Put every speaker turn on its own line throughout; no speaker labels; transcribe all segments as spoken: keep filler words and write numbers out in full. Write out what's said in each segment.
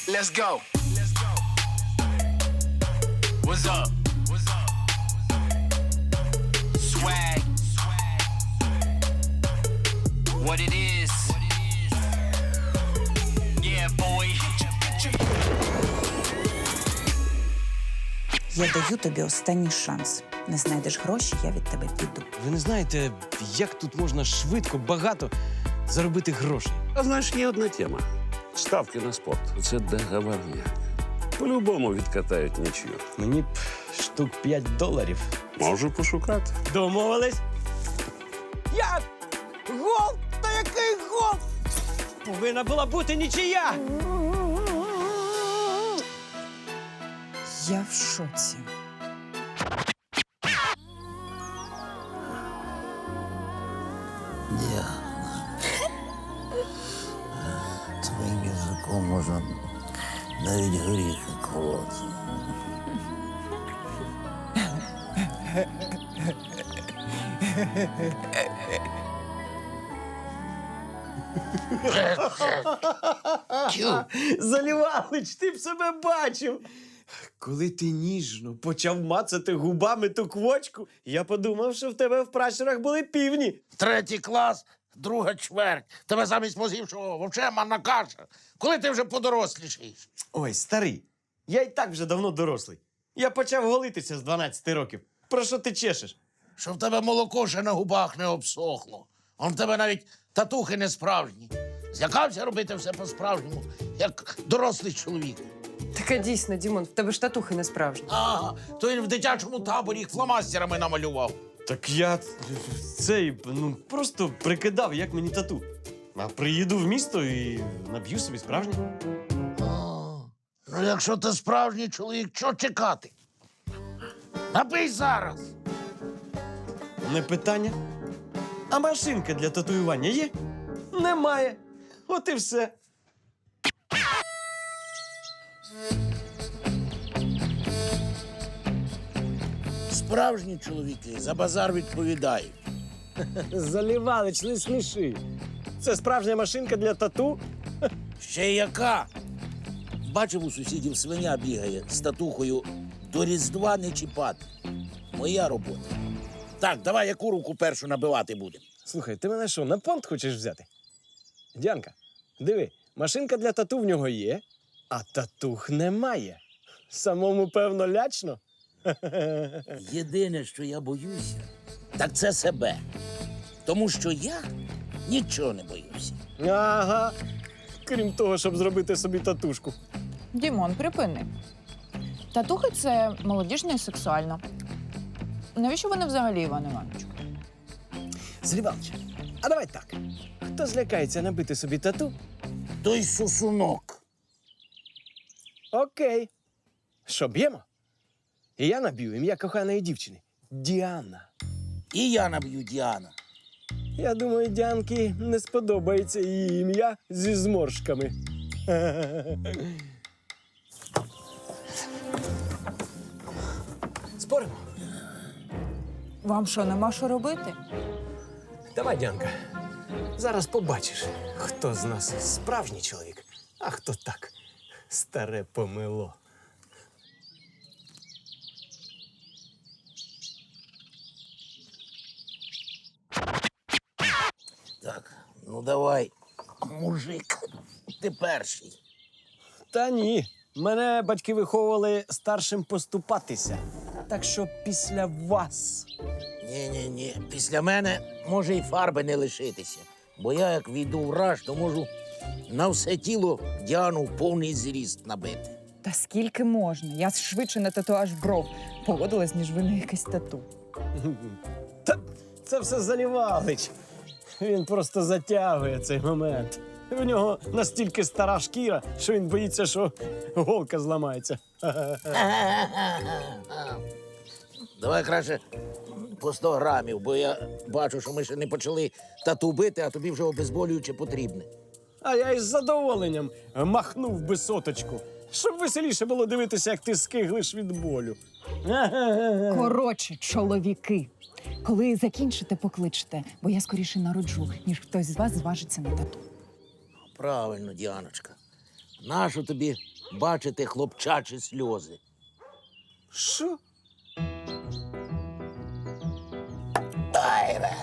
Let's go. What's up? What's up? Swag. What it is. Yeah, boy.
Я даю тобі останній шанс. Не знайдеш гроші, я від тебе піду.
Ви не знаєте, як тут можна швидко, багато заробити грошей?
А знаєш, є одна тема. Ставки на спорт. Це договорняк. По-любому відкатають нічию.
Мені б штук п'ять доларів.
Можу пошукати.
Домовились? Як? Гол? Та який гол? Повинна була бути нічия!
Я в шоці.
Твоїм язиком можна навіть горіхи колоти.
Залівалич, ти б себе бачив. Коли ти ніжно почав мацати губами ту квочку, я подумав, що в тебе в пращурах були півні.
Третій клас, друга чверть. Тебе замість мозгів, що вовче манна каша. Коли ти вже подорослішаєш?
Ой, старий, я і так вже давно дорослий. Я почав голитися з дванадцяти років. Про що ти чешеш?
Що в тебе молоко ще на губах не обсохло. Он в тебе навіть татухи не справжні. Злякався робити все по-справжньому, як дорослий чоловік.
Таке дійсно, Дімон, в тебе ж татухи не справжні.
Ага, то він в дитячому таборі їх фломастерами намалював.
Так я цей, ну, просто прикидав, як мені тату. А приїду в місто і наб'ю собі справжнє.
А, ну, якщо ти справжній чоловік, чого чекати? Напий зараз.
Не питання. А машинка для татуювання є? Немає. От і все.
Справжні чоловіки за базар відповідають.
Залівалич, не сміши. Це справжня машинка для тату?
Ще яка? Бачив, у сусідів свиня бігає з татухою до Різдва не чіпати. Моя робота. Так, давай яку руку першу набивати будемо?
Слухай, ти мене що, на понт хочеш взяти? Діанка, диви, машинка для тату в нього є, а татух немає. Самому, певно, лячно.
Єдине, що я боюся, так це себе. Тому що я нічого не боюся.
Ага. Крім того, щоб зробити собі татушку.
Дімон, припини. Татухи – це молодіжно і сексуально. Навіщо вони взагалі, Іван Івановичу?
Залівалич, а давай так. Хто злякається набити собі тату?
Той сусунок.
Окей. Що, б'ємо? І я наб'ю ім'я коханої дівчини. Діана.
І я наб'ю Діана.
Я думаю, Діанки не сподобається її ім'я зі зморшками. Споримо?
Вам що, нема що робити?
Давай, Діанка. Зараз побачиш, хто з нас справжній чоловік, а хто так, старе помило.
Так, ну давай, мужик, ти перший.
Та ні. Мене батьки виховували старшим поступатися. Так що після вас.
Ні-ні-ні, після мене може і фарби не лишитися. Бо я, як війду в раж, то можу на все тіло Діану в повний зріст набити.
Та скільки можна? Я швидше на татуаж бров погодилась, ніж ви на якесь тату.
Та це все Залівалич. Він просто затягує цей момент. В нього настільки стара шкіра, що він боїться, що голка зламається.
Давай краще по сто грамів, бо я бачу, що ми ще не почали тату бити, а тобі вже обезболююче потрібне.
А я із задоволенням махнув би соточку, щоб веселіше було дивитися, як ти скиглиш від болю.
Коротше, чоловіки, коли закінчите, покличте, бо я скоріше народжу, ніж хтось з вас зважиться на тату.
Правильно, Діаночка. Нащо тобі бачити хлопчачі сльози.
Що?
Ай, бе.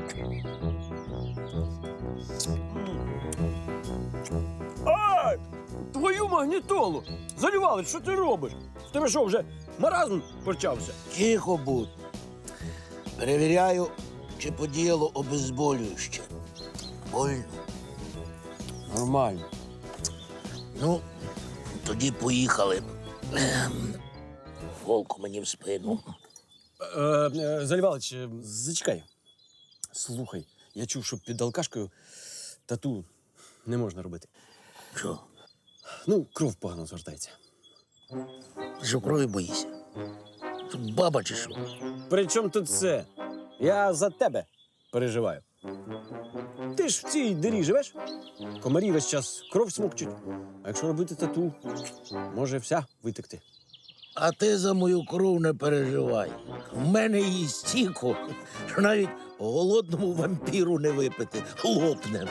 Ай! Твою магнітолу! Залівали, що ти робиш? В тебе що, вже маразм почався?
Тихо будь. Перевіряю, чи подіяло обезболююще. Больно.
Нормально.
Ну, тоді поїхали. Ем, Волку мені в спину.
Е, е, Залівалич, е, зачекай. Слухай, я чув, що під алкашкою тату не можна робити.
Що?
Ну, кров погано звертається.
Ти що, крові боїшся? Тут баба чи що?
При чому тут це? Я за тебе переживаю. Ти ж в цій дирі живеш? Комарі весь час кров смокчуть. А якщо робити тату, може вся витекти.
А ти за мою кров не переживай. В мене її стільки, що навіть голодному вампіру не випити. Лопне.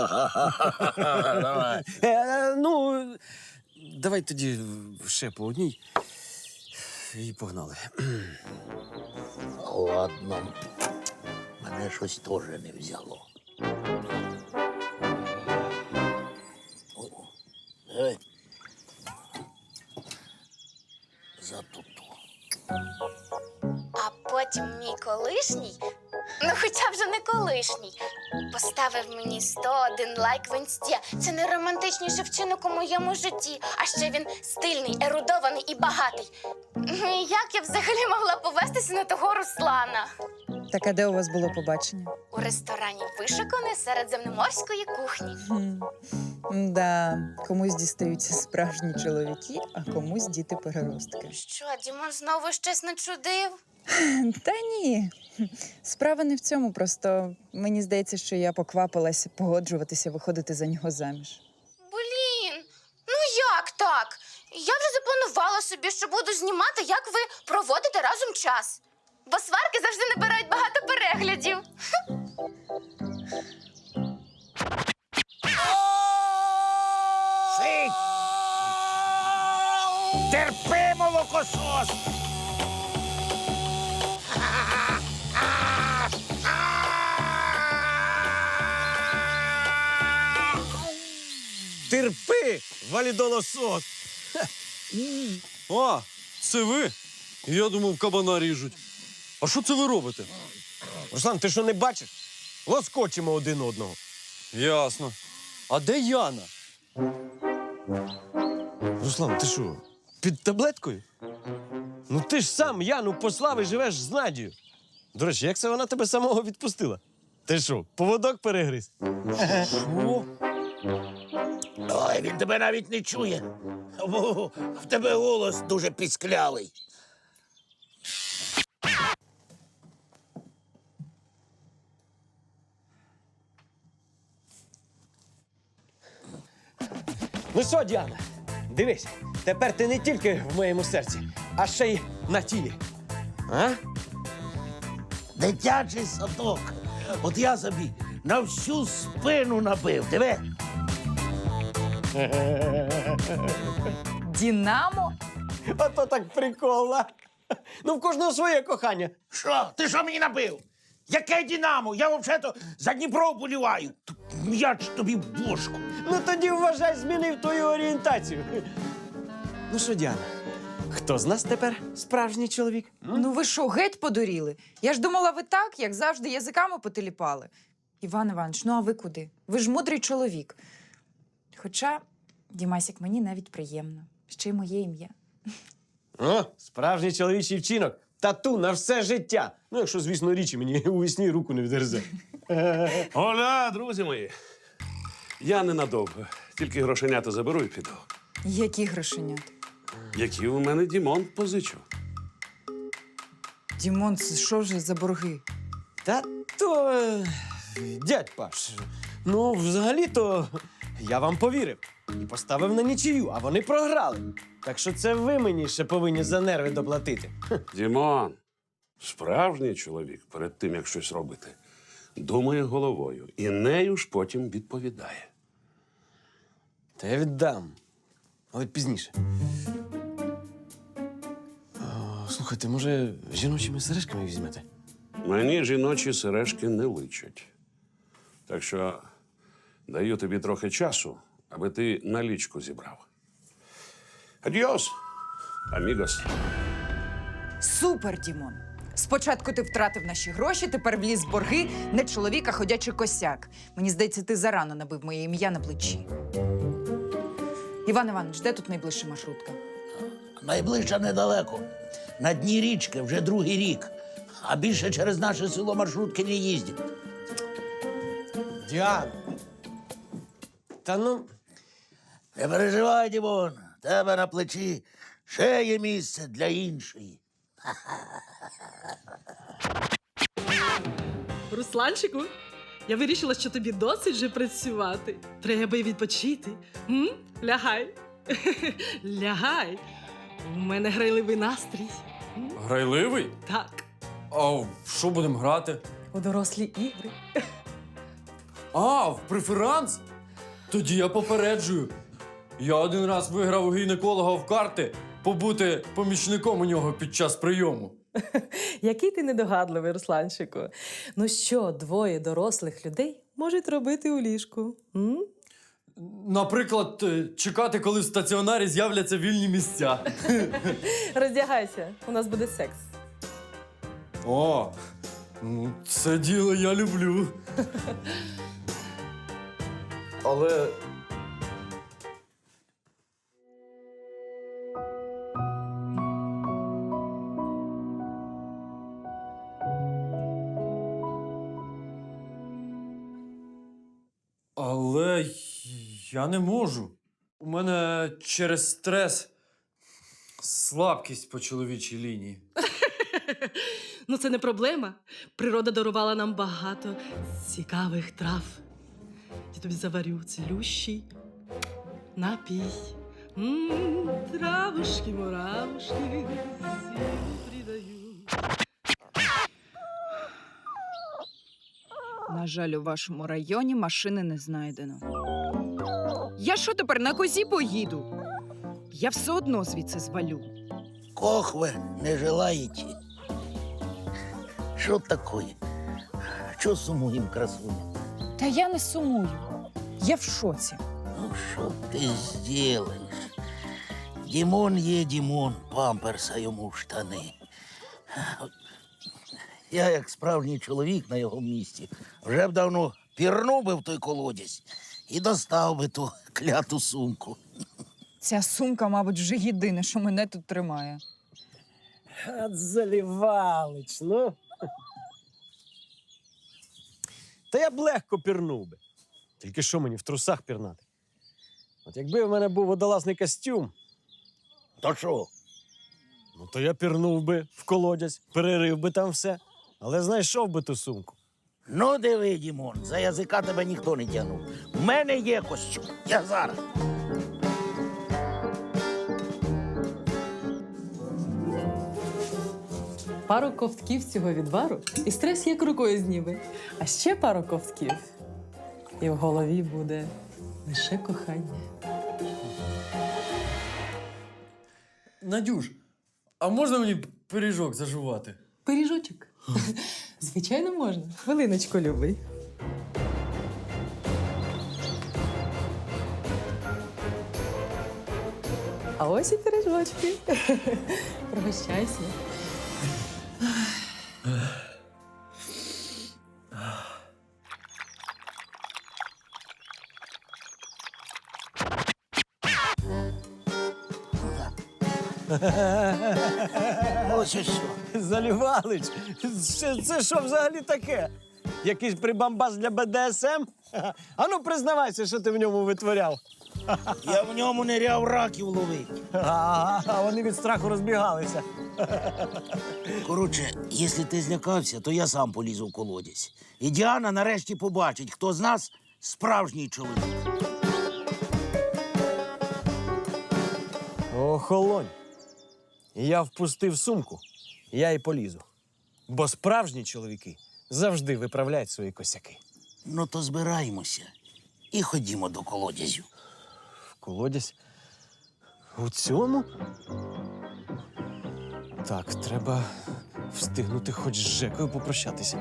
Давай.
Е, ну, давай тоді ще по одній. І погнали.
Ладно. Мене щось теж не взяло. О, давай. За туту.
А потім мій колишній, ну хоча вже не колишній, поставив мені сто один лайк в інсті. Це найромантичніший вчинок у моєму житті. А ще він стильний, ерудований і багатий. Ну і як я взагалі могла повестися на того Руслана?
Так, а де у вас було побачення?
У ресторані вишуканої середземноморської кухні.
Хм. Да, комусь дістаються справжні чоловіки, а комусь діти-переростки.
Що, Дімон знову щось начудив?
Та ні. Справа не в цьому, просто мені здається, що я поквапилася погоджуватися виходити за нього заміж.
Блін, ну як так? Я вже запланувала собі, що буду знімати, як ви проводите разом час. Бо сварки завжди набирають багато переглядів.
Сидь! Терпи, молокосос!
Терпи, валідолосос!
А, це ви? Я думав, кабана ріжуть. А що це ви робите?
Руслан, ти що не бачиш? Лоскочимо один одного.
Ясно. А де Яна?
Руслан, ти що, під таблеткою? Ну ти ж сам Яну послав і живеш з Надією. До речі, як це вона тебе самого відпустила? Ти що, поводок перегриз?
Що?
Ой, він тебе навіть не чує. Бо в тебе голос дуже пісклявий.
Ну що, Діана, дивись, тепер ти не тільки в моєму серці, а ще й на тілі. А?
Дитячий садок. От я собі на всю спину набив. Диви.
Дінамо?
Ото так прикольно. Ну, в кожного своє кохання.
Що? Ти що мені набив? Яке Динамо? Я взагалі за Дніпро вболіваю. М'яч тобі в бошку.
Ну тоді вважай, змінив твою орієнтацію. Ну що, Діана, хто з нас тепер справжній чоловік?
Ну ви що, геть подуріли? Я ж думала, ви так, як завжди, язиками потиліпали. Іван Іванович, ну а ви куди? Ви ж мудрий чоловік. Хоча, Дімасік, мені навіть приємно. Ще й моє ім'я.
О, справжній чоловічий вчинок. Тату на все життя. Ну, якщо, звісно, річі мені у вісні руку не відгризе.
Оля, друзі мої. Я ненадовго. Тільки грошенята заберу і піду.
Які грошенята?
Які у мене Дімон позичив.
Дімон, це що вже за борги?
Та то, е, дядь Паш, ну, взагалі-то я вам повірив і поставив на нічию, а вони програли. Так що це ви мені ще повинні за нерви доплатити.
Дімон, справжній чоловік перед тим, як щось робити, думає головою і нею ж потім відповідає.
Та я віддам. але пізніше. А, слухайте, може, жіночими сережками візьмете?
Мені жіночі сережки не личать. Так що даю тобі трохи часу, аби ти налічку зібрав. Адіос, амігос.
Супер, Дімон! Спочатку ти втратив наші гроші, тепер вліз в борги, не чоловік, а ходячий косяк. Мені здається, ти зарано набив моє ім'я на плечі. Іван Іванович, де тут найближча маршрутка?
Найближча недалеко. На дні річки вже другий рік. А більше через наше село маршрутки не їздять.
Діана! Та ну,
Не переживай, Дімон, в тебе на плечі ще є місце для іншої.
Русланчику, я вирішила, що тобі досить вже працювати. Треба й відпочити. М? Лягай. Лягай. У мене грайливий настрій. М?
Грайливий?
Так,
А в що будемо грати?
у дорослі ігри.
А, в преферанс? Тоді я попереджую. Я один раз виграв у гінеколога в карти побути помічником у нього під час прийому.
Який ти недогадливий, Русланчику. Ну що, двоє дорослих людей можуть робити у ліжку? М?
Наприклад, е, чекати, коли в стаціонарі з'являться вільні місця.
Роздягайся, у нас буде секс.
О, ну це діло я люблю. Але. Але я не можу. У мене через стрес слабкість по чоловічій лінії.
Ну, це не проблема. Природа дарувала нам багато цікавих трав. Я тобі заварю цілющий напій. М, Травушки, муравушки, силу придаю.
На жаль, у вашому районі машини не знайдено. Я що тепер на козі поїду? Я все одно звідси звалю.
Кохве не желаєте. Що таке? Що сумуєм, красуня?
Та я не сумую. Я в шоці.
Ну, що ти зробиш? Дімон є Дімон, памперса йому в штани. Я, як справжній чоловік на його місці, вже б давно пірнув би в той колодязь і достав би ту кляту сумку.
Ця сумка, мабуть, вже єдине, що мене тут тримає.
от Залівалич, ну. Та я б легко пірнув би. Тільки що мені в трусах пірнати? От якби в мене був водолазний костюм,
То що?
ну то я пірнув би в колодязь, перерив би там все, але знайшов би ту сумку.
Ну, диви, Дімон, за язика тебе ніхто не тягнув. У мене є костюм. Я зараз.
Пару ковтків цього відвару і стрес як рукою зніме. А ще пару ковтків. І в голові буде лише кохання.
Надюш, а можна мені пиріжок зажувати?
Пиріжочок. Звичайно, можна. Хвилиночку, любий. А ось і пиріжочки. Пригощайся.
Ось і що.
Залівалич, це, це що взагалі таке? Якийсь прибамбас для Б Д С М? Ану, признавайся, що ти в ньому витворяв.
Я в ньому ниряв раків ловить.
А, а вони від страху розбігалися.
Коротше, якщо ти злякався, то я сам полізу в колодязь. І Діана нарешті побачить, хто з нас справжній чоловік.
Охолонь. Я впустив сумку, я й полізу. Бо справжні чоловіки завжди виправляють свої косяки.
Ну, то збираємося і ходімо до колодязю.
В колодязь? У цьому? Так, треба встигнути хоч з Жекою попрощатися.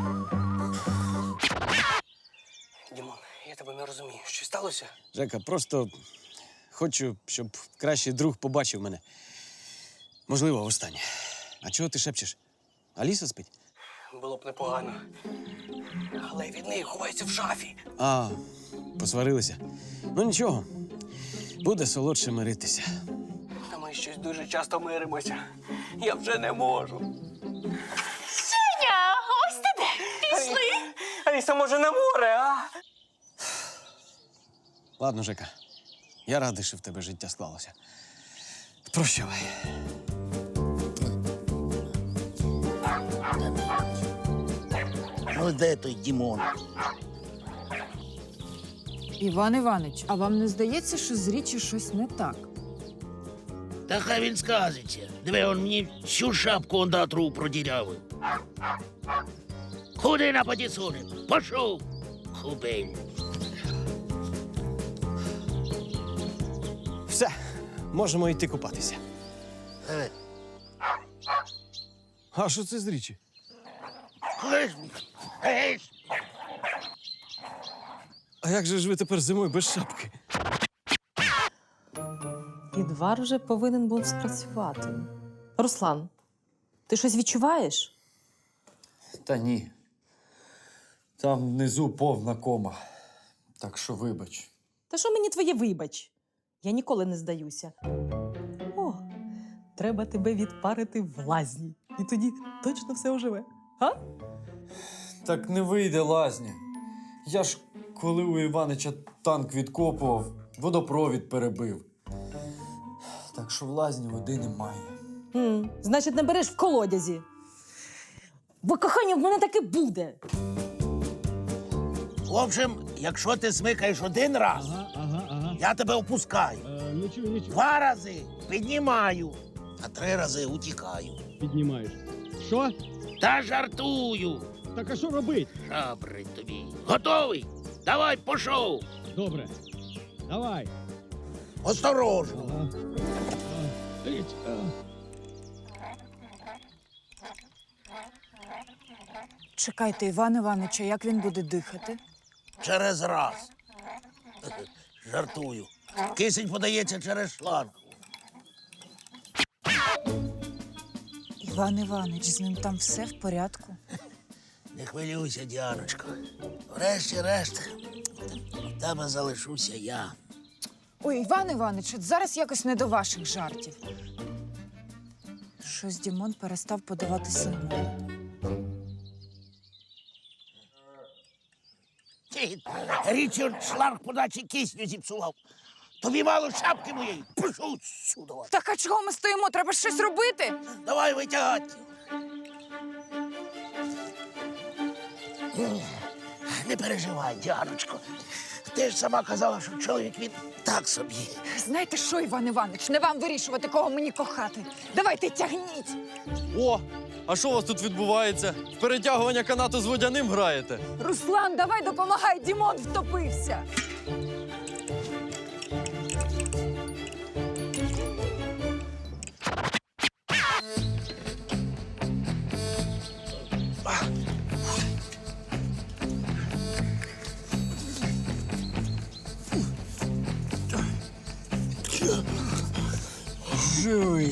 Дімон, я тебе не розумію. Що сталося?
Жека, просто хочу, щоб кращий друг побачив мене. Можливо, востаннє. А чого ти шепчеш? Аліса спить?
Було б непогано. Але від неї ховається в шафі.
А, посварилися. Ну нічого, буде солодше миритися.
Та ми щось дуже часто миримося. Я вже не можу.
Женя, ось ти де. Пішли.
Аліса, може, на море, а?
Ладно, Жека, я радий, що в тебе життя склалося. Прощавай.
Ну, де той Дімон?
Іван Іванович, а вам не здається, що з річі щось не так?
Та хай він сказиться. Диви, он мені всю шапку ондатру продірявив. Куди на потісуни? Пошов, хубень.
Все, можемо йти купатися.
Е,
А що це з річі?
Геш, геш.
А як же ж ви тепер зимою без шапки?
Відвар вже повинен був спрацювати. Руслан, ти щось відчуваєш?
Та ні. Там внизу повна кома. Так що вибач.
Та що мені твоє вибач? Я ніколи не здаюся. О, треба тебе відпарити в лазні. І тоді точно все оживе. А?
Так не вийде лазня. Я ж, коли у Іванича танк відкопував, водопровід перебив. Так що в лазні води немає.
М, значить, не береш в колодязі. Бо кохання в мене таки буде.
В общем, якщо ти смикаєш один раз,
Ага, ага, ага.
я тебе опускаю.
Е, нічого, нічого.
Два рази піднімаю, а три рази утікаю.
Піднімаєш. Що?
Та жартую.
Так а що робить?
Шабрить тобі. Готовий? Давай, пошов.
Добре. Давай.
Осторожно.
Ага. А, річ, а.
Чекайте, Іван Іванович, а як він буде дихати?
Через раз. Жартую. Кисень подається через шланг.
Іван Іванович, з ним там все в порядку?
Не хвилюйся, Діаночко. Врешті-решт, в тебе залишуся я.
Ой, Іван Іванович, от зараз якось не до ваших жартів. Щось Дімон перестав подавати сигнали.
Ти, Річард шланг подачі кисню зіпсував. Тобі мало шапки моєї. Пішов сюди.
Так а чого ми стоїмо? Треба ж щось робити.
Давай витягати. Не переживай, Діаночко. Ти ж сама казала, що чоловік він так собі.
Знаєте що, Іван Іванович, не вам вирішувати, кого мені кохати. Давайте тягніть.
О! А що у вас тут відбувається? В перетягування канату з водяним граєте?
Руслан, давай допомагай, Дімон втопився.
Живий.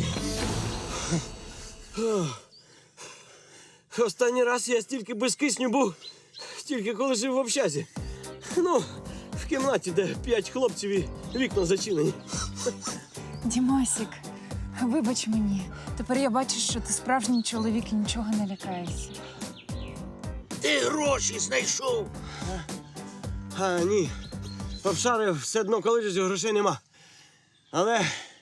Останній раз я стільки без кисню був, тільки коли жив в общазі. Ну, в кімнаті, де п'ять хлопців і вікна зачинені.
Дімасік, вибач мені. Тепер я бачу, що ти справжній чоловік і нічого не лякаєшся.
Ти гроші знайшов.
А, ні. Обшарив все дно колодязю, грошей нема. Але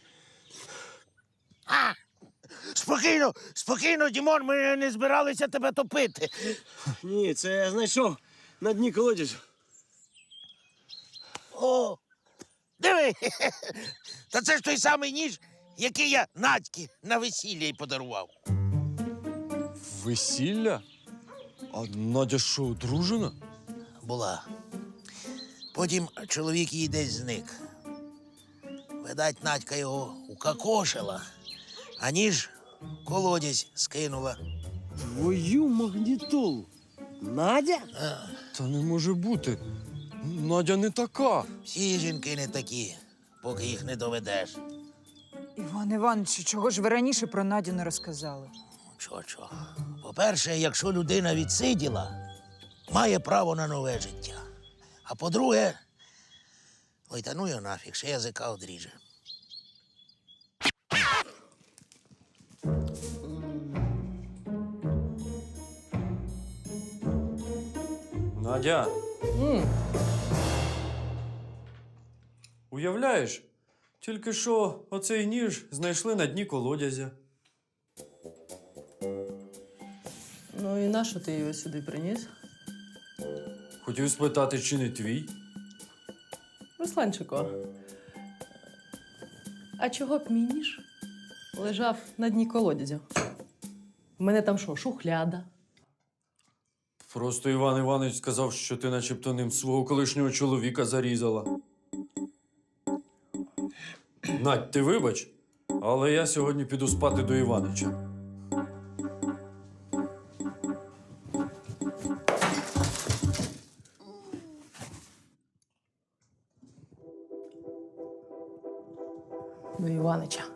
А! Спокійно, спокійно, Дімон, ми не збиралися тебе топити.
ні, це я знайшов на дні колодязю.
О, диви, та це ж той самий ніж, який я Надьки на весілля й подарував.
Весілля? А Надя що, одружена?
Була. Потім чоловік її десь зник. Видать, Надька його укакошила, а ніж в колодязь скинула.
Твою магнітолу. Надя?
Та не може бути. Надя не така.
Всі жінки не такі, поки їх не доведеш.
Іван Іванович, чого ж ви раніше про Надю не розказали?
Чо-чо. По-перше, якщо людина відсиділа, має право на нове життя. А по-друге, ой, та ну його нафіг, ще язика одріже.
Надя. Уявляєш, тільки що оцей ніж знайшли на дні колодязя.
Ну і нащо ти його сюди приніс?
Хотів спитати, чи не твій?
Русланчико, а чого б мій ніж лежав на дні колодязя? У мене там що, шухляда?
Просто Іван Іванович сказав, що ти начебто ним свого колишнього чоловіка зарізала. Надь, ти вибач, але я сьогодні піду спати до Іванича.
До Іванича.